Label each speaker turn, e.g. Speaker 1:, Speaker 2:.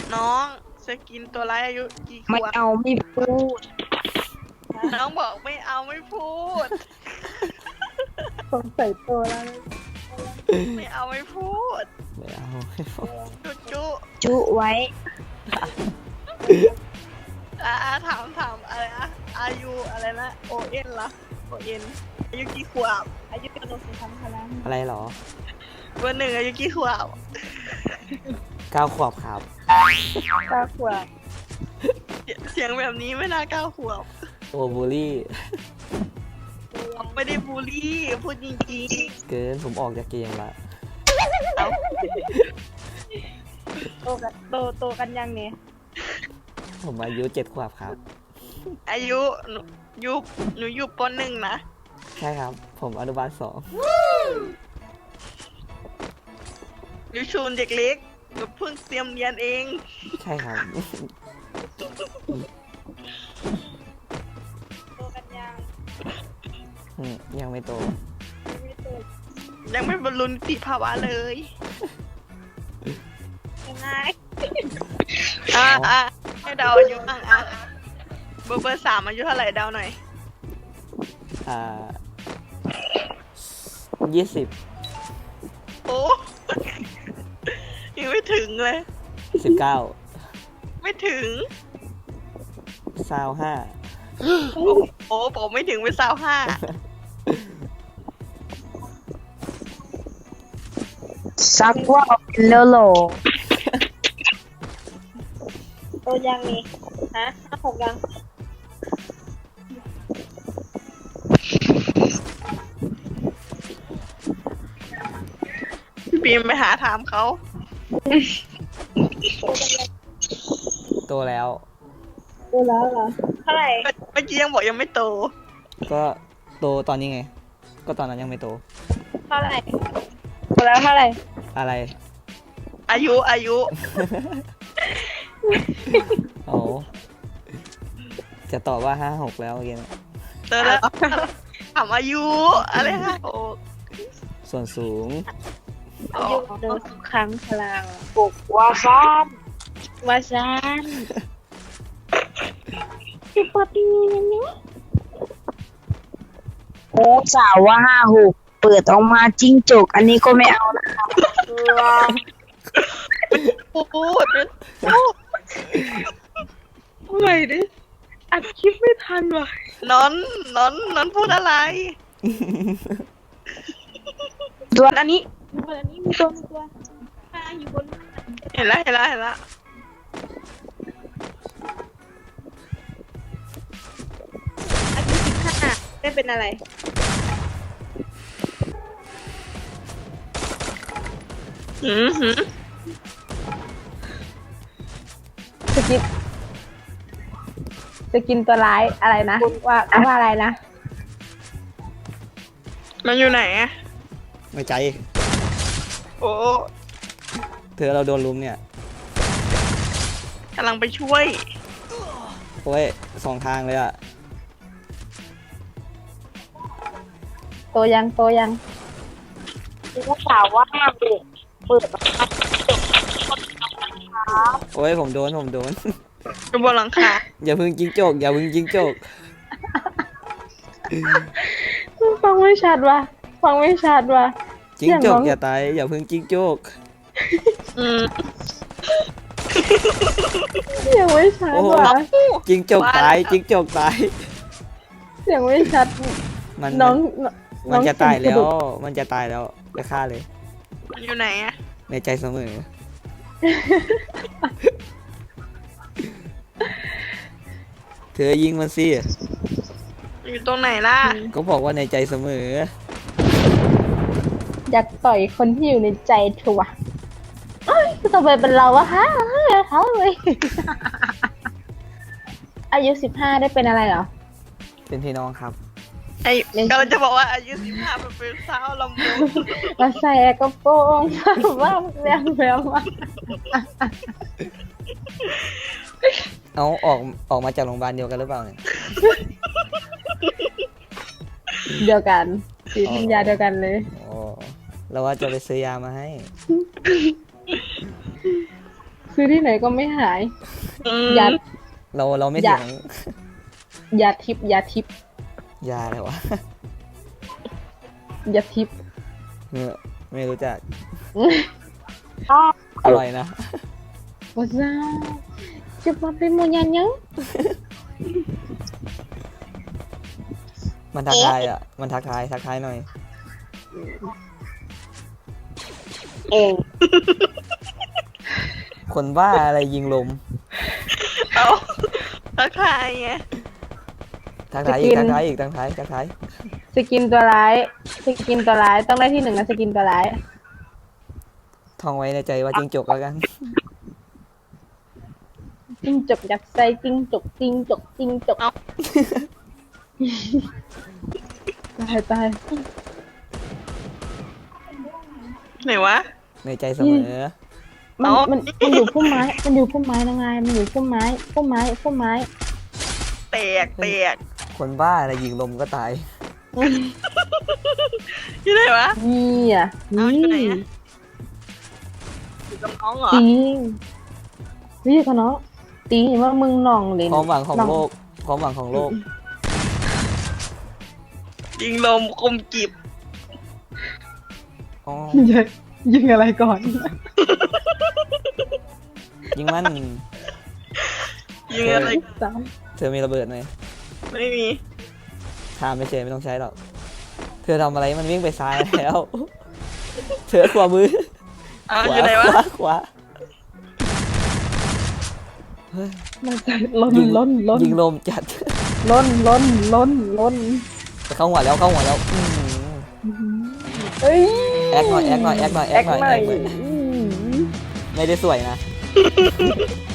Speaker 1: น้องสกินตัวร้ายอายุกี่ข
Speaker 2: ไม่
Speaker 1: วบ
Speaker 2: เอาไม่พูด
Speaker 1: น้องบอกไม่เอาไม่พูด
Speaker 2: สงสัยตัวแล้ว
Speaker 1: ไม่เอาไม่พูด
Speaker 3: ไม่เอา
Speaker 1: จุจุ
Speaker 2: จุไว้
Speaker 1: ถามอะไรนะอายุอะไรนะโอเอ็นละโอเอ็นอายุกี่ขวบอายุกระโดดสูงทั้งพลัง
Speaker 3: อะไรหรอ
Speaker 1: เบอร์หนึ่งอายุกี่ขวบ
Speaker 3: 9 ขวบครับ
Speaker 2: ตาขวบ
Speaker 1: เสียงแบบนี้ไม่น่า9 ขวบ
Speaker 3: โอบูลลี่
Speaker 1: ไม่ได้บูลลี่พูดจริง
Speaker 3: เกินผมออกจากเกมละ
Speaker 1: ๆเอา
Speaker 2: โตกันยังเนี่ย
Speaker 3: ผมอายุ7 ขวบครับ
Speaker 1: อายุหนูอยู่ป .1 นะ
Speaker 3: ใช่ครับ ผมอนุบาล 2
Speaker 1: หนูชูนเด็กเล็กหนูเพิ่งเตรียมเรียนเอง
Speaker 3: ใช่ครับ
Speaker 2: โตกันยัง
Speaker 3: ยังไม่โต
Speaker 2: ไม่โต
Speaker 1: ยังไม่บรรลุนิติภาวะเลย
Speaker 2: ยังไง
Speaker 1: ให้เดาอายุบ้างเบอร์ 3อายุเท่าไหร่เดาหน่อย
Speaker 3: อ่า 20
Speaker 1: โอ้ ยังไม่ถึงเลย
Speaker 3: 19
Speaker 1: ไม่ถึง
Speaker 3: 25
Speaker 1: โอ้ผมไม่ถึงเป็น25
Speaker 2: สักว่าเป็นโลโลโตยังนี่ฮะ56ยัง
Speaker 1: พี่บีมไปหาถามเขา
Speaker 3: โตแล้ว
Speaker 2: โตแล้วเหรอเท่าไหร่
Speaker 1: เมื่อกี้ยังบอกยังไม่โต
Speaker 3: ก็โตตอนนี้ไง ก็ตอนนั้นยังไม่โต
Speaker 2: เท่าไหร่โตแล้วเท่าไหร่
Speaker 3: อะไร
Speaker 1: อายุ
Speaker 3: โอ้จะตอบว่า 56 แล้วเมื่อกี้นะ
Speaker 1: เตอแล้วถามอายุอะไรฮะโอ้
Speaker 3: ส่วนสูง
Speaker 2: อายุโดนทุกครั้งพลังปกว่าซ่านว่าซ่านสิบกว่าปีนี้โอ้สาวว่า56เปิดออกมาจิ้งจกอันนี้ก็ไม่เอานะคะ
Speaker 1: พูดเมื่อยดิอัดคลิปไม่ทันว่ะนอนพูดอะไร
Speaker 2: ตัวอันนี้มีตัวอยู่บน
Speaker 1: เห็นแล้ว
Speaker 2: อายุ15ได้เป็นอะไร
Speaker 1: หืม
Speaker 2: จะกินตัวร้ายอะไรนะว่าอะไรนะ
Speaker 1: มันอยู่ไหนอะ
Speaker 3: ไม่ใจ
Speaker 1: โอ้
Speaker 3: เธอเราโดนลุมเนี่ย
Speaker 1: กำลังไปช่วย
Speaker 3: โอ้ย2 ทางเลยอ่ะ
Speaker 2: โตยังคือว่าสาวว่าเปิด
Speaker 3: โอ้ยผมโดน
Speaker 1: อยู่บนหลังคา
Speaker 3: อย่าพึ่งจิงโจก อย่าพึ่งจิงโจก
Speaker 2: ฟังไม่ชัดว่ะ
Speaker 3: จิงโจกอย่าตาย อย่าพึ่งจิงโจก
Speaker 1: อืม
Speaker 2: ยังไม่ชัด
Speaker 3: โอ้โห
Speaker 2: ว่ะ
Speaker 3: จิงโจกตาย จิงโจกตาย
Speaker 2: ยังไม่ชัด
Speaker 3: มัน
Speaker 2: น้อง
Speaker 3: มันจะตายแล้ว
Speaker 2: น้อง
Speaker 3: มันจะตายแล้วไปฆ่าเลย
Speaker 1: มันอยู่ไหนอะ
Speaker 3: ในใจเสมอ เธอยิงมันสิ
Speaker 1: อยู่ตรงไหนล่ะ
Speaker 3: ก็บอกว่าในใจเสมอ
Speaker 2: อยากต่อยคนที่อยู่ในใจเธอว่ะเอ้ยต่อไปเป็นเราวะฮะเขาเลย อายุ15ได้เป็นอะไรเหรอ
Speaker 3: เป็นพี่น้องครับ
Speaker 1: กำลังจะบอกว่าอายุ15เป็นสาวลำวง
Speaker 2: มาใส่กระโปรงว่าแรงว่ะ
Speaker 3: เอาออกมาจากโรงพยาบาลเดียวกันหรือเปล่าเนี่ย
Speaker 2: เดียวกันสีทัญญาเดียวกันเลย
Speaker 3: อ๋อเราว่าจะไปซื้อยามาให้
Speaker 2: ซื้อที่ไหนก็ไม่หาย
Speaker 1: อืม
Speaker 2: ยา
Speaker 3: เราไม่
Speaker 2: อย่า
Speaker 3: ถึง
Speaker 2: ยาทิพย์ยาทิพย์
Speaker 3: ยาเลยวะ
Speaker 2: ยาทิพย์
Speaker 3: ไม่รู้จัก
Speaker 2: อ้อ
Speaker 3: อร่อยนะ
Speaker 2: ว่าซ่าจะมาเป็นโมยันยัง
Speaker 3: มันทักทายอ่ะ มันทักทายหน่อย
Speaker 2: เอง
Speaker 3: คนบ้าอะไรยิงลม
Speaker 1: เอาทักทายไง
Speaker 3: ทักทายอีกทักทาย
Speaker 2: สกินตัวร้ายสกินตัวร้ายต้องได้ที่หนึ่งนะสกินตัวร้าย
Speaker 3: ท่องไว้ในใจว่าจิงจกแล้วกัน
Speaker 2: จิ้งจกยักษ์ใส่จิ้งจกตาย
Speaker 1: ไหนวะ
Speaker 3: ในใจเสมอ
Speaker 2: มันอยู่พุ่มไม้มันอยู่พุ่มไม้นะไงมันอยู่พุ่มไม้
Speaker 1: แตก
Speaker 3: คนบ้าอะไรยิงลมก็ตาย
Speaker 1: ที่ไหนวะ
Speaker 2: นี่อ่ะ
Speaker 1: เอา
Speaker 2: นี่
Speaker 1: อยู่ไหนอะ อยู่กับน้องเหรอ
Speaker 2: จริงนี่เขาเนาะตีเห็นว่ามึงหน่องเลย
Speaker 3: ความหวังของโลก ความหวังของโลก
Speaker 1: ยิงลมคมกิบ
Speaker 3: อ๋อ
Speaker 2: ยิงอะไรก่อน
Speaker 3: ยิงมัน
Speaker 1: ยิงอะไร
Speaker 2: สาม
Speaker 3: เธอมีระเบิดไหม
Speaker 1: ไม่มี
Speaker 3: ถามไม่เฉยไม่ต้องใช้หรอก เธอทำอะไรมันวิ่งไปซ้ายแล้ว เธอขวามือ
Speaker 1: เอา
Speaker 3: ข
Speaker 1: อ
Speaker 3: วา
Speaker 1: ยู่ไหนวะ
Speaker 3: ขวา
Speaker 2: มันจะล้น
Speaker 3: ยิงลมจัด
Speaker 2: ล้น
Speaker 3: เข้าหัวแล้ว
Speaker 2: เอ้ย
Speaker 3: แอคหน่อย
Speaker 2: แอคหน่อย
Speaker 3: ไม่ได้สวยนะ